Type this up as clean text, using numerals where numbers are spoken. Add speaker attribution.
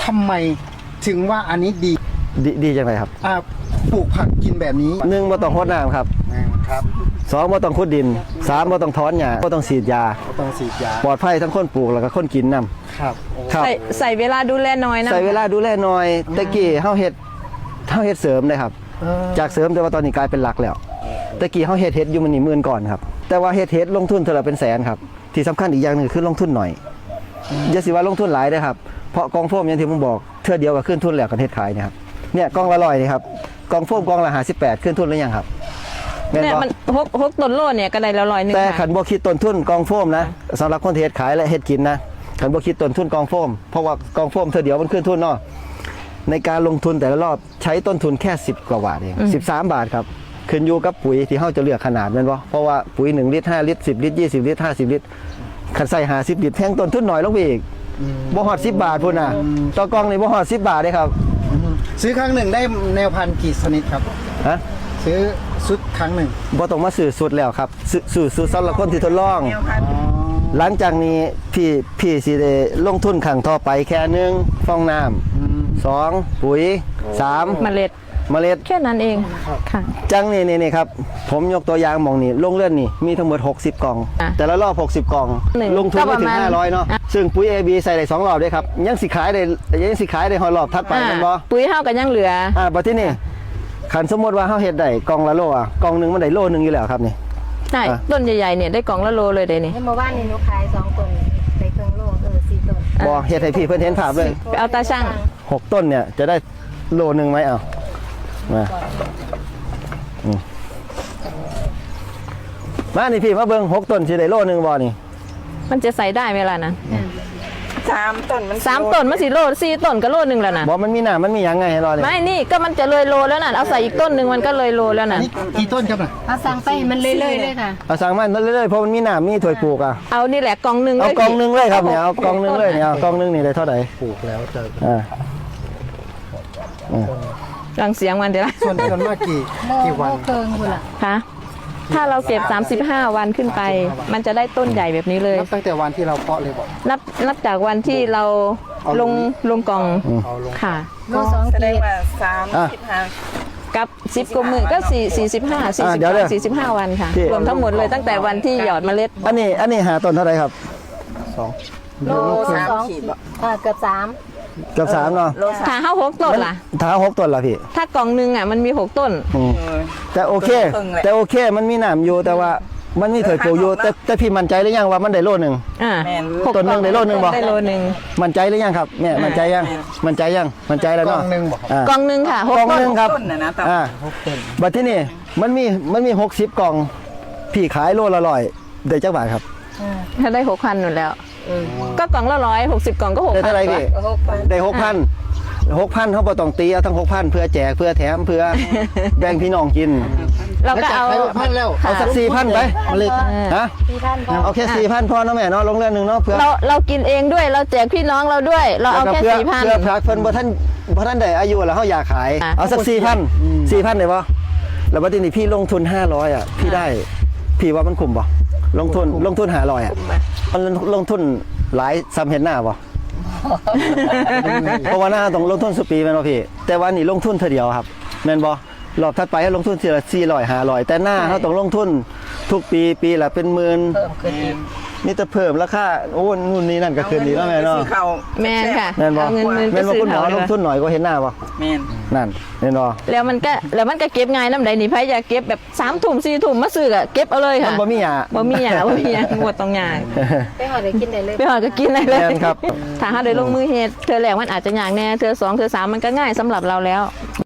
Speaker 1: ทำไมถึงว่าอันนี้
Speaker 2: ดีจังไรครับ
Speaker 1: ปลูกผักกินแบบนี้
Speaker 2: 1บ่ต้องรดน้ำครับ
Speaker 1: ครับ
Speaker 2: 2บ่ต้องขุดดิน3บ่ต้องถอนหญ้าบ่ต้องฉีดยาปลอดภัยทั้งคนปลูกแล้วก็คนกินนำ
Speaker 1: ครับ
Speaker 3: ใส่เวลาดูแลน้อยนะ
Speaker 2: ใส่เวลาดูแลน้อยตะกี้เฮาเฮ็ดเสริมเลยครับจากเสริมแต่ว่าตอนนี้กลายเป็นหลักแล้วตะกี้เฮาเฮ็ดอยู่มันนี่หมื่นก่อนครับแต่ว่าเฮ็ดลงทุนเท่าไหร่เป็นแสนครับที่สำคัญอีกอย่างนึงคือลงทุนหน่อยอย่าสิว่าลงทุนหลายเด้อครับเพราะกองโฟมอย่างที่ผมบอกเทื่อเดียวก็ขึ้นทุนแล้วกันเฮ็ดขายนี่ครับเนี่ยกองละ100นี่ครับกองโฟมกองละ58ขึ้นทุนหรือยังครับ
Speaker 3: เนี่ยมัน6ต้นโลเนี่ยก็ได้ละ100นึง
Speaker 2: แต่ขันบ่คิดต้นทุนกองโฟมนะสำหรับคนที่เฮ็ดขายและเฮ็ดกินนะขันบ่คิดต้นทุนกองโฟมเพราะว่ากองโฟมเทื่อเดียวมันขึ้นทุนเนาะในการลงทุนแต่ละรอบใช้ต้นทุนแค่10กว่าบาทเอง13 บาทครับขึ้นอยู่กับปุ๋ยที่เฮาจะเลือกขนาดแม่นบ่เพราะว่าปุ๋ย1ลิตร5ลิตร10ลิตร20ลิตร50ลิตรคันใส่50ลิตรแพงต้นทุนน้อยลงไปอีกบ่ฮอด10บาทพุ่นน่ะต่อกองนี่บ่ฮอด10บาทเด้ครับ
Speaker 1: ซื้อครั้งหนึ่งได้แนวพันธุ์กี่ชนิดครับ
Speaker 2: ฮะ
Speaker 1: ซื้อชุดครั้งหนึ่ง
Speaker 2: บ่ต้องมาซื้อสุดแล้วครับซื้อสำหรับคนที่ทดลองหลังจากนี้พี่สิได้ลงทุนครั้งต่อไปแค่1ฟองน้ำ2ปุ๋ย3
Speaker 3: เมล็ดแค่นั้นเองค่ะ
Speaker 2: จังนี่ครับผมยกตัวอย่างมองนี่โรงเรือนนี่มีทั้งหมด60กล่องแต่ละรอบ60กล่องลงทุนไม่ถึง500เนาะซึ่งปุ๋ย AB ใส่ได้2รอบด้วยครับยังสิขายได้ฮอดรอบถัดไปแม่นบ่
Speaker 3: ปุ๋ยเฮาก็ยังเหลือ
Speaker 2: บัดทีนี้คันสมมุติว่าเฮาเฮ็ดได้กล่องละโลกล่องนึงมันได้โลนึงอยู่แล้วครับนี่
Speaker 3: ใช่ต้นใหญ่ๆเนี่ยได้กล่องละโลเลยได้นี่
Speaker 4: เมื่อวานนี้หนูขาย2ต้นได้ครึ่งโล4ต้น
Speaker 2: บ่เฮ็ดให้พี่เพิ่นเห็นภาพเลย
Speaker 3: ไปเอาตาช่าง
Speaker 2: 6ต้นเนี่ยจะได้โลนึงมั้ยเอามานี่พี่มาเบิ่ง6ต้นสิได้โลนึงบ่นี่
Speaker 3: มันจะใส่ได้ไหมล่ะนะ
Speaker 4: 3ต้นมัน
Speaker 3: 3ต้นมันสิโล4ต้นก็โลนึงแล้วนะ
Speaker 2: บ่มันมีหน้ามันมีหยังไงให้รอนี่
Speaker 3: ไม่นี่ก็มันจะเลยโลแล้วน่ะเอาใส่อีกต้นนึงมันก็เลยโลแล้วน่ะ
Speaker 1: กี่ต้นครับน่ะ
Speaker 4: เอาสั่งไปมันเรื่อยๆเลยค่ะ
Speaker 2: เอาสั่งมาเรื่อยๆเพราะมันมีหน้ามีถ้วยปลูก
Speaker 3: เอานี่แหละกล่องนึง
Speaker 2: เอากล่องนึงเลยครับเนี่ยเอากล่องนึงเลยเนี่ยเอากล่องนึงนี่ได้เท่าไหร่
Speaker 1: ปลูกแล้วจะ
Speaker 3: ฟังเสียงมันเดี๋ยว
Speaker 1: ส่วนมากกี่วัน
Speaker 4: เคิงคุณล่ะ
Speaker 3: คะถ้าเราเก็บ35วันขึ้นไปมันจะได้ต้นใหญ่แบบนี้เลย
Speaker 1: นับตั้งแต่วันที่เราเพาะเลยบอก
Speaker 3: นับจากวันที่เราลงกล่องค่ะ
Speaker 4: ก็2
Speaker 5: แสดงว่า35
Speaker 3: กับ10กว่ามื้อก็45วันค่ะรวมทั้งหมดเลยตั้งแต่วันที่หยอดเมล็ด
Speaker 2: อันนี้หาต้นเท่าไหร่ครับ
Speaker 4: 2โล3ขีดเกือบ
Speaker 2: 3เนาะ
Speaker 3: ถ้าเฮา6ต้นล่ะ
Speaker 2: ถ้า6ต้นล่ะพี่
Speaker 3: ถ้ากล่องนึงมันมี6ต้น
Speaker 2: แต่โอเคมันมีน้ำอยู่แต่ว่ามันมีถ้วยปลูกอยู่แต่พี่มั่นใจหรือยังว่ามันได้โลนึงต้นนึงได้โลนึงบ่
Speaker 3: ได้โลนึง
Speaker 2: มั่นใจหรือยังครับแม่มั่นใจยังมั่นใจแล้วเนาะ
Speaker 3: กล่องนึงค่ะ6
Speaker 2: ต้นครับบัดที่นี่มันมี60กล่องพี่ขายโลละ100ได้จักบาทครับ
Speaker 3: ถ้าได้ 6,000 นั่นแล้วก็กล่องละ160กล่องก็ 6,000
Speaker 2: ได้เท่าไหร่พี่ได้ 6,000เขาบ่ต้องตีเอาทั้ง 6,000เพื่อแจกเพื่อแถมเพื่อแบ่งพี่น้องกิน
Speaker 3: เราก็เอา
Speaker 1: 6,000แล้ว
Speaker 2: เอาสัก 4,000 ไปฮะ
Speaker 4: 4,000
Speaker 2: เอาแค่ 4,000 พอเนาะแม่เนาะลงเรือนนึงเนาะเพื่อ
Speaker 3: เรากินเองด้วยเราแจกพี่น้องเราด้วยเราเอาแค่ 4,000
Speaker 2: เพื่อพรักเพิ่นบ่ท่านได้อายุแล้วเฮาอยากขายเอาสัก 4,000 ได้บ่แล้วบัดนี้พี่ลงทุน500พี่ได้พี่ว่ามันคุ้มบ่ลงทุน500มันลงทุนหลายซ้ำเห็นหน้าบ่เพราะว่าหน้าต้องลงทุนสุปีแม่นบ่พี่แต่ว่านี่ลงทุนเท่าเดียวครับแม่นบ่รอบถัดไปให้ลงทุนทีละ400 500แต่หน้าเขาต้องลงทุนทุกปีละเป็นหมื่น
Speaker 5: เพิ่มขึ้นอีก
Speaker 2: นี่จะเพิ่มราคาโอ้นู่นนี่นั่นก็ขึ้นดีแล้วแม่เนาะ
Speaker 3: แม่ค่ะ
Speaker 2: แม่นบ่แม่นบ่คุณหมอลงทุนหน่อยก็เห็นหน้าบ่
Speaker 5: แม่น
Speaker 2: นั่นแม่นบ่
Speaker 3: แล้วมันก็เก็บง่ายนำใดนี่ไผอยากเก็บแบบ3 ทุ่ม 4 ทุ่มมาซื้อก็เก็บเอาเลยค่ะ
Speaker 2: มันบ่มีหยัง
Speaker 3: บ่มีหยังบ่ต้องยาก
Speaker 4: ไปหอดได้กินได้เลย
Speaker 3: ไปหอดก็กินได้เลย
Speaker 2: แม่นครับ
Speaker 3: ถ้าเฮาได้ลงมือเฮ็ดเทื่อแรกมันอาจจะยากแน่เทื่อ2เทื่อ3มันก็ง่ายสำหรับเราแล้ว